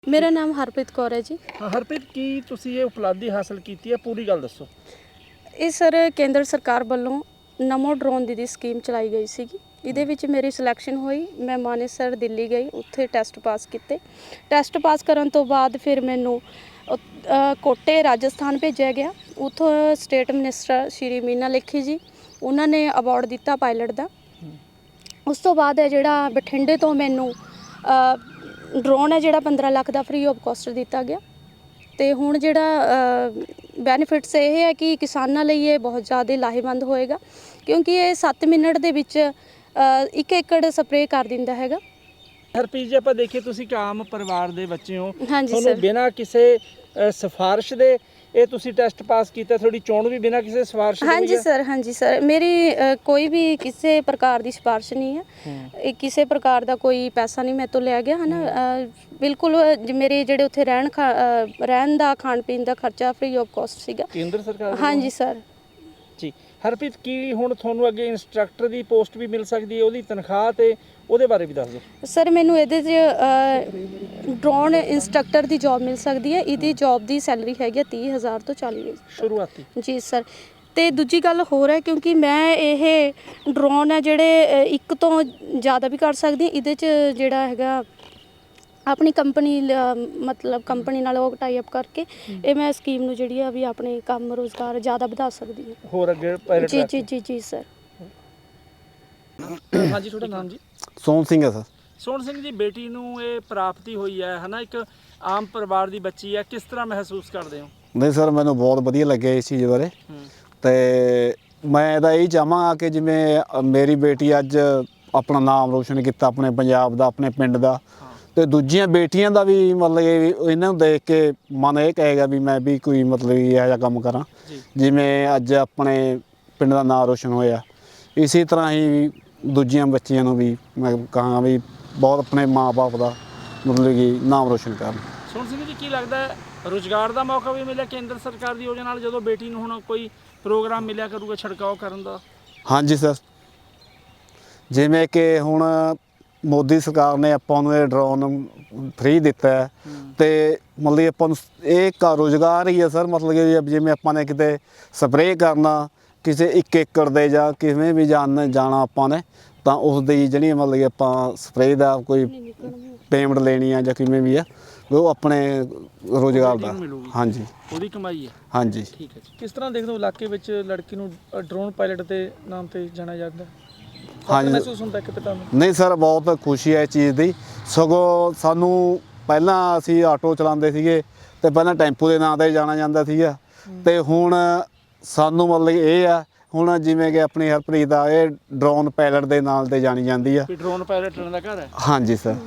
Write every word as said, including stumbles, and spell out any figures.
मेरा नाम हरप्रीत कौर है जी। हाँ हरप्रीत की तुसी ये उपलब्धि हासिल की है पूरी गल दसो। ਇਹ ਸਰ ਕੇਂਦਰ ਸਰਕਾਰ ਵੱਲੋਂ ਨਮੋ ਡਰੋਨ ਦੀ ਦੀ ਸਕੀਮ ਚਲਾਈ ਗਈ ਸੀਗੀ। ਇਹਦੇ ਵਿੱਚ ਮੇਰੀ ਸਿਲੈਕਸ਼ਨ ਹੋਈ। ਮੈਂ ਮਾਨੇਸਰ ਦਿੱਲੀ ਗਈ, ਉੱਥੇ ਟੈਸਟ ਪਾਸ ਕੀਤੇ। ਟੈਸਟ ਪਾਸ ਕਰਨ ਤੋਂ ਬਾਅਦ ਫਿਰ ਮੈਨੂੰ ਕੋਟੇ ਰਾਜਸਥਾਨ ਭੇਜਿਆ ਗਿਆ। ਉੱਥੋਂ ਸਟੇਟ ਮਿਨਿਸਟਰ ਸ਼੍ਰੀ ਮੀਨਾ ਲੇਖੀ ਜੀ ਉਹਨਾਂ ਨੇ ਅਵਾਰਡ ਦਿੱਤਾ ਪਾਇਲਟ ਦਾ। ਉਸ ਤੋਂ ਬਾਅਦ ਹੈ ਜਿਹੜਾ ਬਠਿੰਡੇ ਤੋਂ ਮੈਨੂੰ ਡਰੋਨ ਹੈ ਜਿਹੜਾ ਪੰਦਰਾਂ ਲੱਖ ਦਾ ਫ੍ਰੀ ਆਫ ਕੋਸਟ ਦਿੱਤਾ ਗਿਆ। ਤੇ ਹੁਣ ਜਿਹੜਾ ਬੈਨੀਫਿਟਸ ਇਹ ਹੈ ਕਿ ਕਿਸਾਨਾਂ ਲਈ ਇਹ ਬਹੁਤ ਜ਼ਿਆਦਾ ਲਾਹੇਵੰਦ ਹੋਏਗਾ, ਕਿਉਂਕਿ ਇਹ ਸੱਤ ਮਿੰਟ ਦੇ ਵਿੱਚ ਇੱਕ ਏਕੜ ਸਪਰੇਅ ਕਰ ਦਿੰਦਾ ਹੈਗਾ। ਹਰਪ੍ਰੀਤ ਜੀ ਆਪਾਂ ਦੇਖੀਏ ਤੁਸੀਂ ਇੱਕ ਆਮ ਪਰਿਵਾਰ ਦੇ ਬੱਚੇ ਹੋ, ਹਾਂਜੀ ਤੁਹਾਨੂੰ ਬਿਨਾਂ ਕਿਸੇ ਸਿਫਾਰਿਸ਼ ਦੇ ਇਹ ਤੁਸੀਂ ਟੈਸਟ ਪਾਸ ਕੀਤਾ, ਤੁਹਾਡੀ ਚੋਣ ਵੀ ਬਿਨਾਂ ਕਿਸੇ ਸਿਫਾਰਿਸ਼ ਦੇ? ਹਾਂਜੀ ਸਰ, ਹਾਂਜੀ ਸਰ, ਮੇਰੀ ਕੋਈ ਵੀ ਕਿਸੇ ਪ੍ਰਕਾਰ ਦੀ ਸਿਫਾਰਿਸ਼ ਨਹੀਂ ਹੈ। ਇਹ ਕਿਸੇ ਪ੍ਰਕਾਰ ਦਾ ਕੋਈ ਪੈਸਾ ਨਹੀਂ ਮੇਰੇ ਤੋਂ ਲਿਆ ਗਿਆ ਹੈ ਨਾ। ਬਿਲਕੁਲ ਮੇਰੇ ਜਿਹੜੇ ਉੱਥੇ ਰਹਿਣ ਰਹਿਣ ਦਾ ਖਾਣ ਪੀਣ ਦਾ ਖਰਚਾ ਫ੍ਰੀ ਆਫ ਕੋਸਟ ਸੀਗਾ ਕੇਂਦਰ ਸਰਕਾਰ। ਹਾਂਜੀ ਸਰ ਜੀ ਹਰਪ੍ਰੀਤ, ਕੀ ਹੁਣ ਤੁਹਾਨੂੰ ਅੱਗੇ ਇੰਸਟ੍ਰਕਟਰ ਦੀ ਪੋਸਟ ਵੀ ਮਿਲ ਸਕਦੀ ਹੈ, ਉਹਦੀ ਤਨਖਾਹ ਤੇ ਉਹਦੇ ਬਾਰੇ ਵੀ ਦੱਸ ਦਿਓ। ਸਰ ਮੈਨੂੰ ਇਹਦੇ 'ਚ ਡਰੋਨ ਇੰਸਟ੍ਰਕਟਰ ਦੀ ਜੌਬ ਮਿਲ ਸਕਦੀ ਹੈ। ਇਹਦੀ ਜੌਬ ਦੀ ਸੈਲਰੀ ਹੈਗੀ ਹੈ ਤੀਹ ਹਜ਼ਾਰ ਤੋਂ ਚਾਲੀ ਹਜ਼ਾਰ ਸ਼ੁਰੂਆਤੀ। ਜੀ ਸਰ। ਅਤੇ ਦੂਜੀ ਗੱਲ ਹੋਰ ਹੈ, ਕਿਉਂਕਿ ਮੈਂ ਇਹ ਡਰੋਨ ਹੈ ਜਿਹੜੇ ਇੱਕ ਤੋਂ ਜ਼ਿਆਦਾ ਵੀ ਕਰ ਸਕਦੀ। ਇਹਦੇ 'ਚ ਜਿਹੜਾ ਹੈਗਾ ਆਪਣੀ ਕੰਪਨੀ ਮਤਲਬ ਕੰਪਨੀ ਨਾਲ ਉਹ ਟਾਈ ਅਪ ਕਰਕੇ ਇਹ ਮੈਂ ਸਕੀਮ ਨੂੰ ਜਿਹੜੀ ਆ ਵੀ ਆਪਣੇ ਕੰਮ ਰੁਜ਼ਗਾਰ ਜ਼ਿਆਦਾ ਵਧਾ ਸਕਦੀ ਹਾਂ। ਹੋਰ ਅੱਗੇ ਪਾਇਲਟ ਜੀ ਜੀ ਜੀ ਜੀ ਸਰ। ਹਾਂਜੀ ਤੁਹਾਡਾ ਨਾਮ ਜੀ? ਸੋਹਣ ਸਿੰਘ ਹੈ ਸਰ। ਸੋਹਣ ਸਿੰਘ ਜੀ, ਬੇਟੀ ਨੂੰ ਇਹ ਪ੍ਰਾਪਤੀ ਹੋਈ ਹੈ ਹਨਾ, ਇੱਕ ਆਮ ਪਰਿਵਾਰ ਦੀ ਬੱਚੀ ਹੈ, ਕਿਸ ਤਰ੍ਹਾਂ ਮਹਿਸੂਸ ਕਰਦੇ ਹੋ? ਨਹੀਂ ਸਰ, ਮੈਨੂੰ ਬਹੁਤ ਵਧੀਆ ਲੱਗਿਆ ਇਸ ਚੀਜ਼ ਬਾਰੇ। ਤੇ ਮੈਂ ਇਹਦਾ ਇਹ ਚਾਹਾਂਗਾ ਕਿ ਜਿਵੇਂ ਮੇਰੀ ਬੇਟੀ ਅੱਜ ਆਪਣਾ ਨਾਮ ਰੋਸ਼ਨ ਕੀਤਾ ਆਪਣੇ ਪੰਜਾਬ ਦਾ, ਆਪਣੇ ਪਿੰਡ ਦਾ, ਤੇ ਦੂਜੀਆਂ ਬੇਟੀਆਂ ਦਾ ਵੀ ਮਤਲਬ ਇਹਨਾਂ ਨੂੰ ਦੇਖ ਕੇ ਮਨ ਇਹ ਕਹੇਗਾ ਵੀ ਮੈਂ ਵੀ ਕੋਈ ਮਤਲਬ ਇਹੋ ਜਿਹਾ ਕੰਮ ਕਰਾਂ ਜਿਵੇਂ ਅੱਜ ਆਪਣੇ ਪਿੰਡ ਦਾ ਨਾਮ ਰੋਸ਼ਨ ਹੋਇਆ। ਇਸੇ ਤਰ੍ਹਾਂ ਹੀ ਦੂਜੀਆਂ ਬੱਚੀਆਂ ਨੂੰ ਵੀ ਮੈਂ ਕਹਾਂਗਾ ਵੀ ਬਹੁਤ ਆਪਣੇ ਮਾਂ ਬਾਪ ਦਾ ਮਤਲਬ ਕਿ ਨਾਮ ਰੋਸ਼ਨ ਕਰਨ। ਸੋਹਣ ਸਿੰਘ ਜੀ, ਕੀ ਲੱਗਦਾ ਰੁਜ਼ਗਾਰ ਦਾ ਮੌਕਾ ਵੀ ਮਿਲਿਆ ਕੇਂਦਰ ਸਰਕਾਰ ਦੀ ਯੋਜਨਾ ਨਾਲ, ਜਦੋਂ ਬੇਟੀ ਨੂੰ ਹੁਣ ਕੋਈ ਪ੍ਰੋਗਰਾਮ ਮਿਲਿਆ ਕਰੂਗਾ ਛਿੜਕਾਓ ਕਰਨ ਦਾ? ਹਾਂਜੀ ਸਰ, ਜਿਵੇਂ ਕਿ ਹੁਣ ਮੋਦੀ ਸਰਕਾਰ ਨੇ ਆਪਾਂ ਨੂੰ ਇਹ ਡਰੋਨ ਫ੍ਰੀ ਦਿੱਤਾ ਹੈ ਤੇ ਮਤਲਬ ਆਪਾਂ ਨੂੰ ਇਹ ਇੱਕ ਰੁਜ਼ਗਾਰ ਹੀ ਹੈ ਸਰ। ਮਤਲਬ ਕਿ ਜਿਵੇਂ ਆਪਾਂ ਨੇ ਕਿਤੇ ਸਪਰੇਅ ਕਰਨਾ ਕਿਸੇ ਇੱਕ ਏਕੜ ਦੇ ਜਾਂ ਕਿਵੇਂ ਵੀ ਜਾਣ ਜਾਣਾ ਆਪਾਂ ਨੇ, ਤਾਂ ਉਸ ਦੀ ਜਿਹੜੀ ਮਤਲਬ ਕਿ ਆਪਾਂ ਸਪਰੇਅ ਦਾ ਕੋਈ ਪੇਮੈਂਟ ਲੈਣੀ ਆ ਜਾਂ ਕਿਵੇਂ ਵੀ ਆ, ਉਹ ਆਪਣੇ ਰੁਜ਼ਗਾਰ ਦਾ। ਹਾਂਜੀ, ਉਹਦੀ ਕਮਾਈ ਹੈ। ਹਾਂਜੀ ਠੀਕ ਹੈ ਜੀ। ਕਿਸ ਤਰ੍ਹਾਂ ਦੇਖਦੇ ਹੋ ਇਲਾਕੇ ਵਿੱਚ ਲੜਕੀ ਨੂੰ ਡਰੋਨ ਪਾਇਲਟ ਦੇ ਨਾਮ ਤੇ ਜਾਣਿਆ ਜਾਂਦਾ? ਹਾਂਜੀ, ਮਹਿਸੂਸ ਹੁੰਦਾ ਕਿਤੇ ਤੁਹਾਨੂੰ? ਨਹੀਂ ਸਰ, ਬਹੁਤ ਖੁਸ਼ੀ ਹੈ ਇਸ ਚੀਜ਼ ਦੀ। ਸਗੋਂ ਸਾਨੂੰ ਪਹਿਲਾਂ ਅਸੀਂ ਆਟੋ ਚਲਾਉਂਦੇ ਸੀਗੇ ਤੇ ਪਹਿਲਾਂ ਟੈਂਪੂ ਦੇ ਨਾਂ 'ਤੇ ਜਾਣਾ ਜਾਂਦਾ ਸੀਗਾ, ਤੇ ਹੁਣ ਸਾਨੂੰ ਮਤਲਬ ਇਹ ਆ ਹੁਣ ਜਿਵੇਂ ਕਿ ਆਪਣੀ ਹਰਪ੍ਰੀਤ ਦਾ ਇਹ ਡਰੋਨ ਪਾਇਲਟ ਦੇ ਨਾਲ 'ਤੇ ਜਾਣੀ ਜਾਂਦੀ ਆ। ਡਰੋਨ ਪਾਇਲਟ ਦਾ ਘਰ ਹੈ? ਹਾਂਜੀ ਸਰ।